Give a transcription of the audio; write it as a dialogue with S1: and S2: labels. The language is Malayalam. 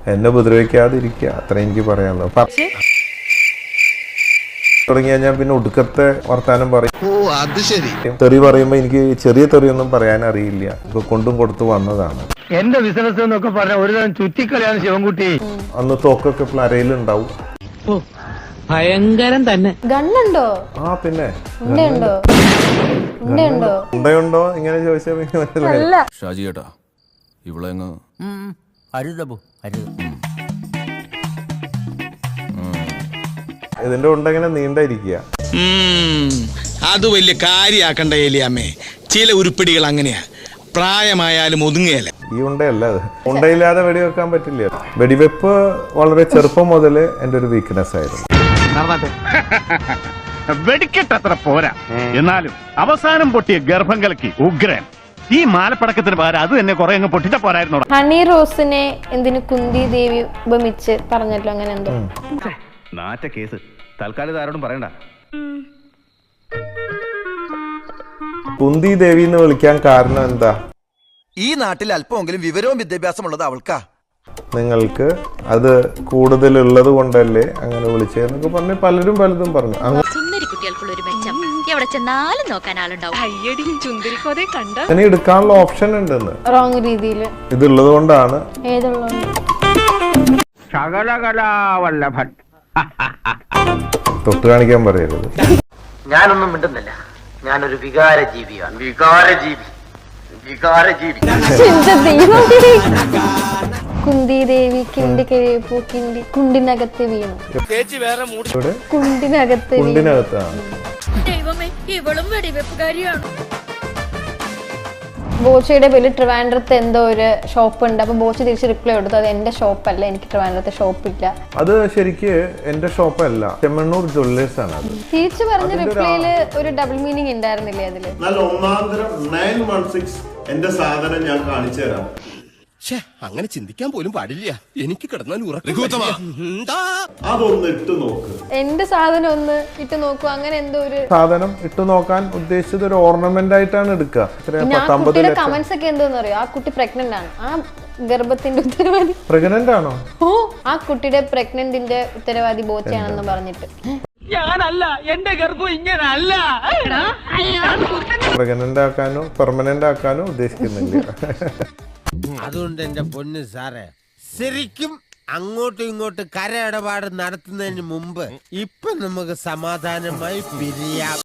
S1: എന്നെ ഉപദ്രവിക്കാതിരിക്കുക, അത്ര എനിക്ക് പറയാനുള്ളൂ. തുടങ്ങി കഴിഞ്ഞാൽ പിന്നെ ഒടുക്കത്തെ വർത്താനം പറയും. തെറി പറയുമ്പോ എനിക്ക് ചെറിയ തെറിയൊന്നും പറയാൻ അറിയില്ല. ഇപ്പൊ കൊണ്ടും കൊടുത്തു വന്നതാണ്.
S2: എന്റെ ബിസിനസ് എന്നൊക്കെ പറഞ്ഞ ഒരു തരം ചുറ്റിക്കളിയാണ് ശിവൻകുട്ടി.
S1: അന്ന് തോക്കൊക്കെ പ്ലരയിലുണ്ടാവും.
S3: ഭയങ്കരം തന്നെ.
S4: ഗണ്ണുണ്ടോ?
S1: ആ പിന്നെ
S4: ഉണ്ടോ
S1: ഇങ്ങനെ ചോദിച്ചാൽ മനസ്സിലായി.
S5: ഷാജി ചേട്ടാ, ഇവിടെ
S1: ഇതിന്റെ ഉണ്ട ഇങ്ങനെ നീണ്ടായിരിക്കുക.
S6: അത് വലിയ കാര്യാക്കണ്ട ഏലിയാമ്മേ. ചില ഉരുപ്പിടികൾ അങ്ങനെയാ, പ്രായമായാലും ഒതുങ്ങിയല്ല.
S1: ഈ ഉണ്ടയല്ല അത്. ഉണ്ടയില്ലാതെ വെടിവെക്കാൻ പറ്റില്ല. വെടിവെപ്പ് വളരെ ചെറുപ്പം മുതൽ എൻ്റെ ഒരു വീക്ക്നെസ് ആയിരുന്നു.
S2: വെടിക്കെട്ടത്ര പോരാ, എന്നാലും അവസാനം പൊട്ടിയ ഗർഭം കലക്കി ഉഗ്രൻ. ഈ മാലപ്പടക്കത്തിന് പകരം അത് തന്നെ കുറെ അങ്ങ് പൊട്ടിച്ച പോരായിരുന്നു.
S4: ഹണി റോസിനെ എന്തിനു കുന്തി ദേവി ഉപമിച്ച് പറഞ്ഞല്ലോ, അങ്ങനെ എന്തോ
S2: നാറ്റ കേസ്. തൽക്കാലം ആരോടും പറയണ്ട.
S1: കുന്തി ദേവി എന്ന് വിളിക്കാൻ കാരണം എന്താ?
S7: ഈ നാട്ടിൽ അല്പമെങ്കിലും വിവരവും വിദ്യാഭ്യാസമുള്ളത് അവൾക്കാ.
S1: നിങ്ങൾക്ക് അത് കൂടുതലുള്ളത് കൊണ്ടല്ലേ അങ്ങനെ വിളിച്ചതെന്നൊക്കെ പറഞ്ഞ് പലരും പലതും പറഞ്ഞു. അങ്ങനെ എടുക്കാനുള്ള ഓപ്ഷൻ ഉണ്ടെന്ന്.
S4: റോങ് രീതിയിൽ
S1: ഇതുള്ളത് കൊണ്ടാണ്.
S2: ശകലകലാവല്ലഭൻ.
S1: തൊട്ട് കാണിക്കാൻ പറയരുത്.
S8: ഞാനൊന്നും മിണ്ടുന്നില്ല. ഞാനൊരു വികാര ജീവിയാണ്. വികാരജീവി.
S4: കുന്തി ദേവി കിണ്ടി കഴിയപ്പോ കുണ്ടിനകത്ത് വീണു.
S1: കുണ്ടിനകത്താണ്.
S4: ബോച്ചയുടെ പേരിൽ ട്രിവാൻഡ്രത്ത് എന്തോ ഒരു ഷോപ്പ് ഉണ്ട്. അപ്പൊ ബോച്ച തിരിച്ച് റിപ്ലൈ കൊടുത്തു, അത് എന്റെ ഷോപ്പല്ല, എനിക്ക് ട്രിവാൻഡ്രത്ത് ഷോപ്പില്ല. അത്
S1: ശരിക്ക് എന്റെ ഷോപ്പല്ല, ചെമ്മണ്ണൂർ ജ്വല്ലേഴ്സ് ആണ്. അത്
S4: തിരിച്ചു പറഞ്ഞ റിപ്ലൈയില് ഒരു ഡബിൾ മീനിങ് ഉണ്ടായിരുന്നില്ലേ അതില്?
S9: നല്ല ഒന്നാന്തരം 916 എന്റെ സാധനം ഞാൻ കാണിച്ചു തരാം.
S7: അങ്ങനെ ചിന്തിക്കാൻ പോലും പാടില്ല. എനിക്ക് കിടന്നാൽ
S9: അതൊന്ന് ഇട്ട് നോക്ക്.
S4: എന്റെ സാധനം ഒന്ന് ഇട്ട് നോക്കൂ. അങ്ങനെ എന്തോ ഒരു
S1: സാധനം ഇട്ട് നോക്കാൻ ഉദ്ദേശിച്ചത് ഒരു ഓർണമെന്റ് ആയിട്ടാണ് എടുക്കുക.
S4: കമന്റ്സ് ഒക്കെ എന്തോന്ന് അറിയോ? ആ കുട്ടി പ്രഗ്നന്റ് ആണ്. ആ ഗർഭത്തിന്റെ ഉത്തരവാദി
S1: പ്രഗ്നന്റ് ആണോ?
S4: ഓ, ആ കുട്ടിയുടെ പ്രഗ്നന്റിന്റെ ഉത്തരവാദി ബോച്ചയാണെന്ന് പറഞ്ഞിട്ട്.
S3: ഞാനല്ല, എന്റെ ഗർഭം ഇങ്ങനല്ല.
S1: പ്രഗ്നന്റ് ആക്കാനോ പെർമനന്റ് ആക്കാനോ ഉദ്ദേശിക്കുന്നില്ല.
S10: അതുകൊണ്ട് എന്റെ പൊന്ന് സാറേ, ശരിക്കും അങ്ങോട്ടും ഇങ്ങോട്ടും കര ഇടപാട് നടത്തുന്നതിന് മുമ്പ് ഇപ്പൊ നമുക്ക് സമാധാനമായി പിരിയാം.